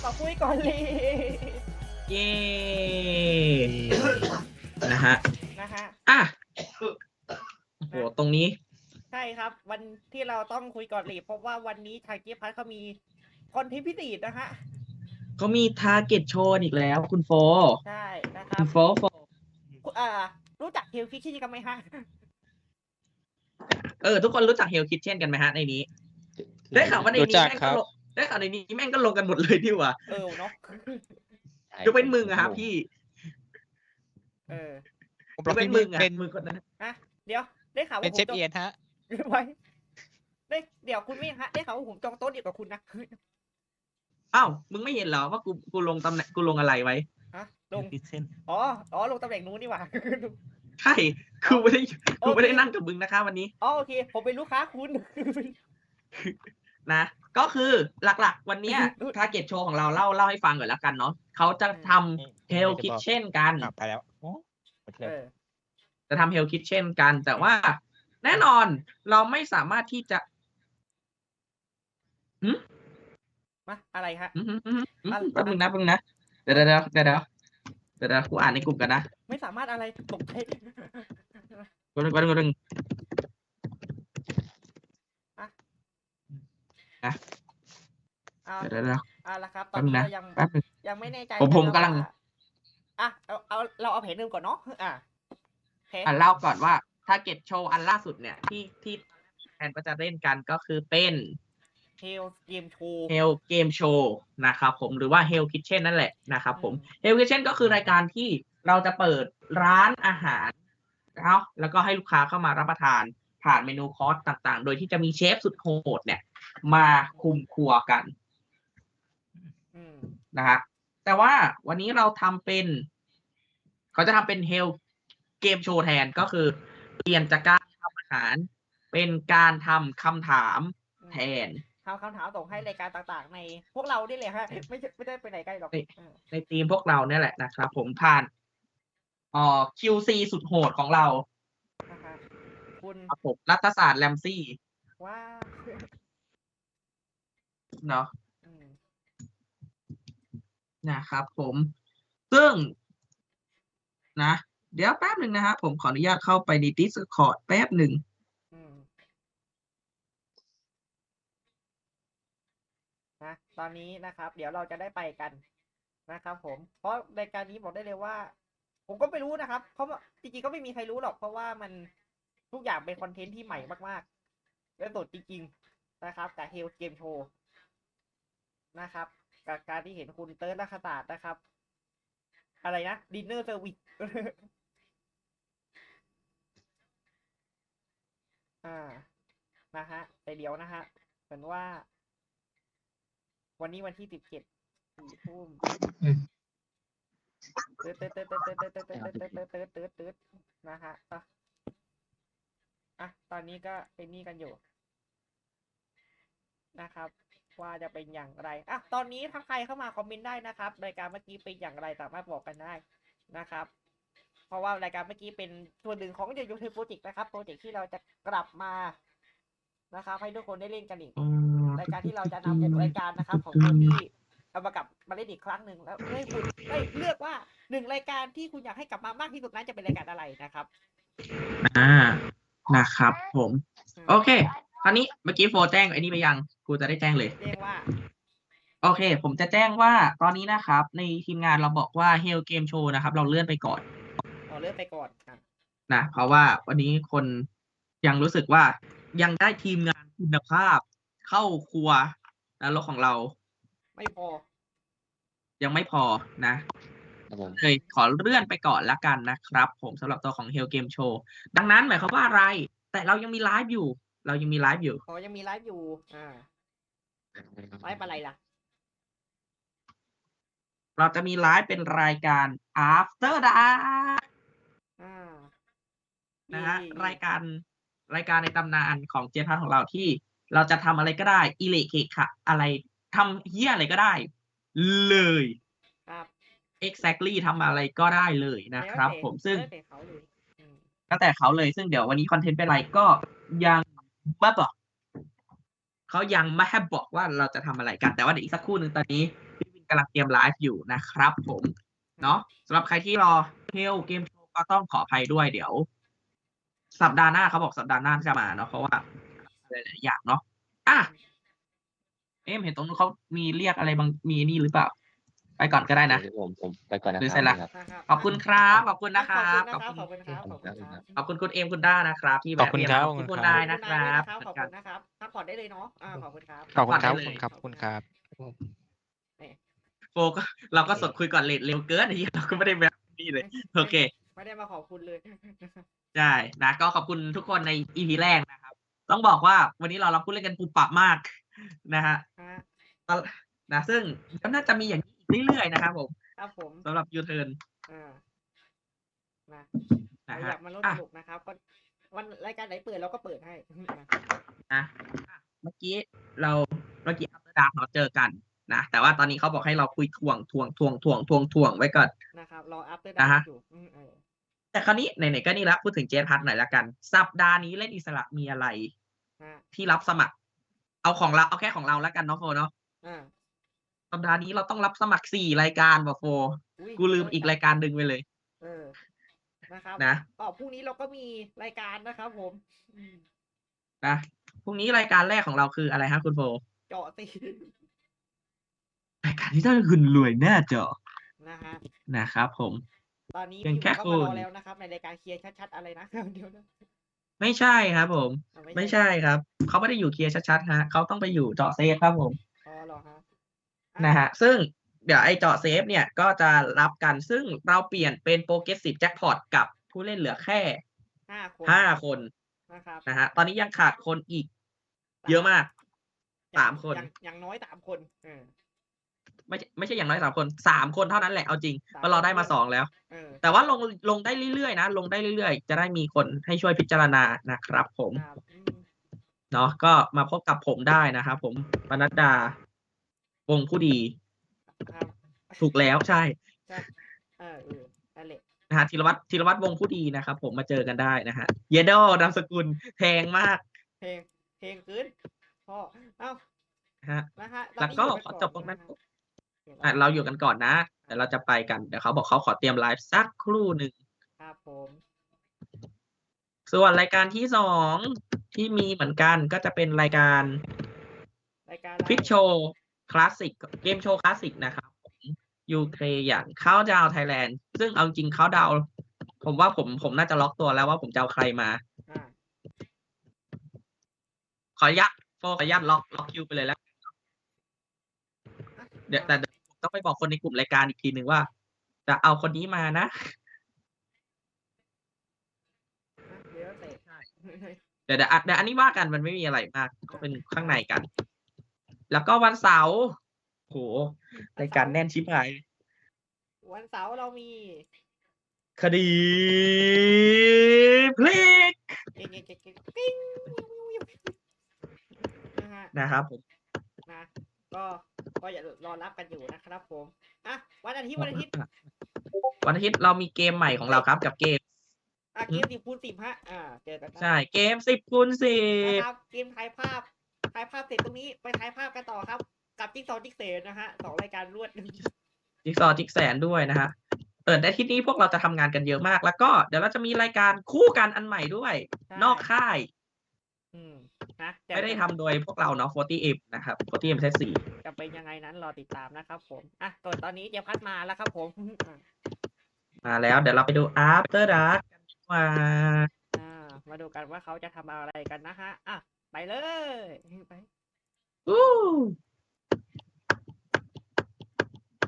มาคุยก่อนเลยเย้นะฮะนะฮะอ่ะโอ้โหตรงนี้ใช่ครับ วันที่เราต้องคุยก่อนเลยเพราะว่าวันนี้ทางเจี๊ยบพัทเขามีคอนเทนต์พิเศษนะฮะเขามีทาร์เก็ตโชว์อีกแล้วคุณโฟใช่นะครัคุบณโฟรู้จักเฮลคิกชี่กันไหมฮะทุกคนรู้จักเฮลคิทเช่นกันไหมฮะในนี้ ได้ข่าวว่าในนี้แม่งก็ลงได้ข่าวในนี้แม่งก็ลงกันหมดเลยดีกว่าเนาะยกเว้นมึงอะครับพี่ผมยรักบเว้นพี่มึมึงงอะเป็นมึงคนนั้นเดี๋ยวได้ข่าวเป็ว่านเชฟเอียนฮะไว้เดี๋ยวคุณไม่ฮะได้ข่าวว่าผมจองโต๊ะเดียวกับคุณนะอ้าวมึงไม่เห็นเหรอว่ากูลงตำแหน่งกูลงอะไรไว้ฮะลงคิทเช่นอ๋อลงตำแหน่งนู้นนี่หว่าใช่กูไม่ได้นั่งกับมึงนะคะวันนี้โอเคผมเป็นลูกค้าคุณนะก็คือหลักๆ วันเนี้ยทาร์เก็ตโชว์ของเราเล่าให้ฟังก่อนแล้วกันเนาะเขาจะทำเฮลคิทเช่นกันไปแล้วโอ้หมดเลยจะทำเฮลคิทเช่นกัน แต่ว่าแน่นอนเราไม่สามารถที่จะมาอะไรฮะแป๊บนึงนะเดี๋ยวกูอ่านในกลุ่มกันนะไม่สามารถอะไรตกใจกูนึง เดี๋ยวละครับ ตแป๊อนบนึงนี้นะเรายังแป๊บนึงไม่แน่ใจผมกำลังเราเอาแผนเดิมก่อนเนาะแผนเล่าก่อนว่าทาร์เก็ตโชว์อันล่าสุดเนี่ยที่แทนก็จะเล่นกันก็คือเป็นเฮลเกมโชว์เฮลเกมโชว์นะครับผมหรือว่าเฮลคิทเช่นนั่นแหละนะครับผมเฮลคิทเช่นก็คือรายการที่เราจะเปิดร้านอาหารแล้วก็ให้ลูกค้าเข้ามารับประทานผ่านเมนูคอร์สต่างๆ โดยที่จะมีเชฟสุดโหดเนี่ยมาคุมครัวกันนะฮะแต่ว่าวันนี้เราทำเป็นเขาจะทำเป็นเฮลเกมโชว์แทนก็คือเปลี่ยนจากการทำอาหารเป็นการทำคำถามแทนทำคำถามส่งให้รายการต่างๆในพวกเราได้เลยฮะไม่ได้ไปไหนไกลหรอกในทีมพวกเราเนี่ยแหละนะครับผมผ่านQC สุดโหดของเราคุณครับผมรัฐศาสตร์แรมซี่ว้าเนาะนะครับผมซึ่งนะเดี๋ยวแป๊บหนึ่งนะฮะผมขออนุญาตเข้าไปใน Discord แป๊บหนึ่งนะตอนนี้นะครับ เดี๋ยวเราจะได้ไปกันนะครับผมเพราะรายการนี้บอกได้เลยว่า ผมก็ไม่รู้นะครับเพราะว่าจริงๆก็ไม่มีใครรู้หรอกเพราะว่ามันทุกอย่างเป็นคอนเทนต์ที่ใหม่มากๆและสดจริงๆนะครับกับเฮลเกมโชว์นะครับกับการที่เห็นคุณเติร์ดลักษณะนะครับอะไรนะดินเนอร์เซอร์วิส นะฮะแต่เดี๋ยวนะฮะเหมือนว่า วันนี้วันที่17 ทุ่มตืดนะฮะตอนนี้ก็เป็นนี่กันอยู่นะครับว่าจะเป็นอย่างไรตอนนี้ถ้าใครเข้ามาคอมเมนต์ได้นะครับรายการเมื่อกี้เป็นอย่างไรสามารถบอกกันได้นะครับเพราะว่ารายการเมื่อกี้เป็นส่วนหนึ่งของยูทูบโปรเจกต์นะครับโปรเจกต์ที่เราจะกลับมานะครับให้ทุกคนได้เล่นกันอีกรายการที่เราจะนำ6รายการนะครับของคนที่เอามากลับมาเล่นอีกครั้งหนึ่งแล้วให้คุณได้เลือกว่า1รายการที่คุณอยากให้กลับมามากที่สุดนั้นจะเป็นรายการอะไรนะครับนะครับผมโอเคคราวนี้เมื่อกี้โฟแจ้งไอ้นี่ไปยังกูจะได้แจ้งเลยแจ้งว่าโอเคผมจะแจ้งว่าตอนนี้นะครับในทีมงานเราบอกว่า Hell Game Show นะครับเราเลื่อนไปก่อนนะเพราะว่าวันนี้คนยังรู้สึกว่ายังได้ทีมงานคุณภาพเข้าครัวแล้วรถของเราไม่พอยังไม่พอนะเลยขอเลื่อนไปก่อนละกันนะครับผมสำหรับตัวของ Hell Game Show ดังนั้นหมายความว่าอะไรแต่เรายังมีไลฟ์อยู่ยังมีไลฟ์อยู่ไลฟ์อะไรล่ะเราจะมีไลฟ์เป็นรายการ After Dark นะฮะรายการในตำนานของเจพัทของเราที่เราจะทำอะไรก็ได้อิเล็กเคค่ะอะไรทำเหี้ยอะไรก็ได้เลยครับ exactly ทำอะไรก็ได้เลยนะครับผมซึ่งตั้งแต่เขาเลยซึ่งเดี๋ยววันนี้คอนเทนต์เป็นอะไรก็ยังไม่บอกเขายังไม่ให้บอกว่าเราจะทำอะไรกันแต่ว่าเดี๋ยวอีกสักครู่หนึ่งตอนนี้พี่วินกำลังเตรียมไลฟ์อยู่นะครับผมเนาะสำหรับใครที่รอเฮลเกมโชว์ก็ต้องขออภัยด้วยเดี๋ยว สัปดาห์หน้าเขาบอกสัปดาห์หน้าจะมาเนาะเพราะว่าหลายๆอย่างเนาะอ่ะเห็นตรงนู้นเขามีเรียกอะไรบางมีนี่หรือเปล่า ไปก่อนก็ได้นะเดี๋ยวผมไปก่อนนะหรือคเสร็จรัละบนะครับขอบคุณครับขอบคุณนะครับขอบคุณครับขอบคุณครับขอบคุณคุณเอมคุณด้านะครับ ที่ขอบคุณครับขอบคุณคุณนายนะคขอบรับขอบคุณนะครับพักผ่อนได้เลยเนาะขอบคุณครับขอบคุณครับขอบคุณขอบคุณครับโฟก็เราก็สดคุยก่อนเลทเร็วเกินไอ้เหี้ยเราก็ไม่ได้แบบนี่เลยโอเคไม่ได้มาขอบคุณเลยใช่นะก็ขอบคุณทุกคนใน EP แรกนะครับ ต้องบอกว่าวันนี้เราพูดเล่นกันปุบปับมากนะฮะฮะนะซึ่งก็น่าจะมีอย่างนี้อีกเรื่อยๆนะครับผมครับผมสำหรับยูเทิร์นนะนะอฮะยากมาร่วมอ่ะสนุกนะครับ ก็วันรายการไหนเปิดเราก็เปิดให้นะเมื่อกี้อัปเดตเราเจอกันนะแต่ว่าตอนนี้เขาบอกให้เราคุยทวงไว้ก่อนนะครับรออัปเดตนะฮะอยู่แต่คราวนี้ไหนๆก็นี่ละพูดถึงเจนพัทหน่อยละกัน สัปดาห์นี้เล่นอิสระมีอะไรฮะที่รับสมัคร เอาแค่ของเราแล้วกันเนาะโฟเนาะอ่าสัปดาห์นี้เราต้องรับสมัคร4 รายการว่ะโฟอุ๊ยกูลืมอีกรายการหนึ่งไปเลยนะครับนะพรุ่งนี้เราก็มีรายการนะครับผมนะพรุ่งนี้รายการแรกของเราคืออะไรฮะคุณโฟเจาะตีรายการที่ต้องคุณรวยหน้าจอนะฮะนะครับผมตอนนี้เพียงพี่แค่ผมก็มารอคุณแล้วนะครับ ในรายการเคลียร์ชัดๆอะไรนะ เดี๋ยวนะไม่ใช่ครับผม ไม่ใช่ครับเขาไม่ได้อยู่เคลียร์ชัดๆฮะเขาต้องไปอยู่เจาะเซฟครับผมอ๋อเหรอฮะนะฮะซึ่งเดี๋ยวไอ้เจาะเซฟเนี่ยก็จะรับกันซึ่งเราเปลี่ยนเป็นโปรเกรสซีฟแจ็คพอตกับผู้เล่นเหลือแค่ 5 คน 5 คนนะครับนะฮะตอนนี้ยังขาดคนอีก เยอะมาก 3 คนอย่างน้อย3 คนไม่ใช่อย่างน้อย3 คน 3 คนเท่านั้นแหละเอาจริงสามเพราะเราได้มาคน 2 แล้วเออแต่ว่าลงได้เรื่อยๆนะลงได้เรื่อยๆจะได้มีคนให้ช่วยพิจารณานะครับผมครับเนาะก็มาพบกับผมได้นะครับผมปนัดดาวงผู้ดีครับถูกแล้วใช่ใช่นั่นแหละนะฮะธีรวัตรวงผู้ดีนะครับผมมาเจอกันได้นะฮะเยโดนามสกุลแพงมากเพลงขึ้นพ่อเอ้าฮะนะฮะแล้วก็ตนนี้ขอจบตรงนั้นอยู่กัอ่ะเราอยู่กันก่อนนะเดี๋ยวเราจะไปกันเดี๋ยวเขาบอกเขาขอเตรียมไลฟ์สักครู่หนึ่งครับผมส่วนรายการที่2ที่มีเหมือนกันก็จะเป็นรายการรายการควิกโชว์คลาสสิกเกมโชว์คลาสสิกนะครับยูเครอย่างเข้าดาวไทยแลนด์ซึ่งเอาจริงเข้าดาวผมว่าผมน่าจะล็อกตัวแล้วว่าผมจะเอาใครมาอ่าขออนุญาตล็อกคิวไปเลยแล้ว เดี๋ยวผมต้องไปบอกคนในกลุ่มรายการอีกทีหนึ่งว่า จะเอาคนนี้มานะเดี๋ยวเตะเดี๋ยวอันนี้ว่ากันมันไม่มีอะไรมากก็เป็นข้างในกัน แล้วก็วันเสาร์โหรายการแน่นชิบหายวันเสาร์เรามีคดีพลิกเองปิ้งนะฮะนะครับผมนะก็อย่ารอรับกันอยู่นะครับผมอ่ะวันอาทิตย์วันอาทิตย์เรามีเกมใหม่ของเราครับกับเกมเกม10 คูณ 10ฮะเจอกันได้ใช่เกม10 คูณ 10 นะครับเกมถ่ายภาพเสร็จตรงนี้ไปถ่ายภาพกันต่อครับ กับจิ๊กซอว์จิ๊กเซนนะฮะ2 รายการรวดจิ๊กซอว์จิ๊กแสนด้วยนะฮะในอาทิตย์นี้พวกเราจะทำงานกันเยอะมาก แล้วก็เดี๋ยวเราจะมีรายการคู่กันอันใหม่ด้วยใช่นอกค่ายนะแต่ไม่ได้ทำโดยพวกเราเนาะ 40M นะครับ 40M เซตจะเป็นยังไงนั้นรอติดตามนะครับผมตอนนี้เจพัดมาแล้วครับผม 4มาแล้วเดี๋ยวเราไปดู After Dark กันดีกว่ามาดูกันว่าเขาจะทำอะไรกันนะฮะไปเลยไป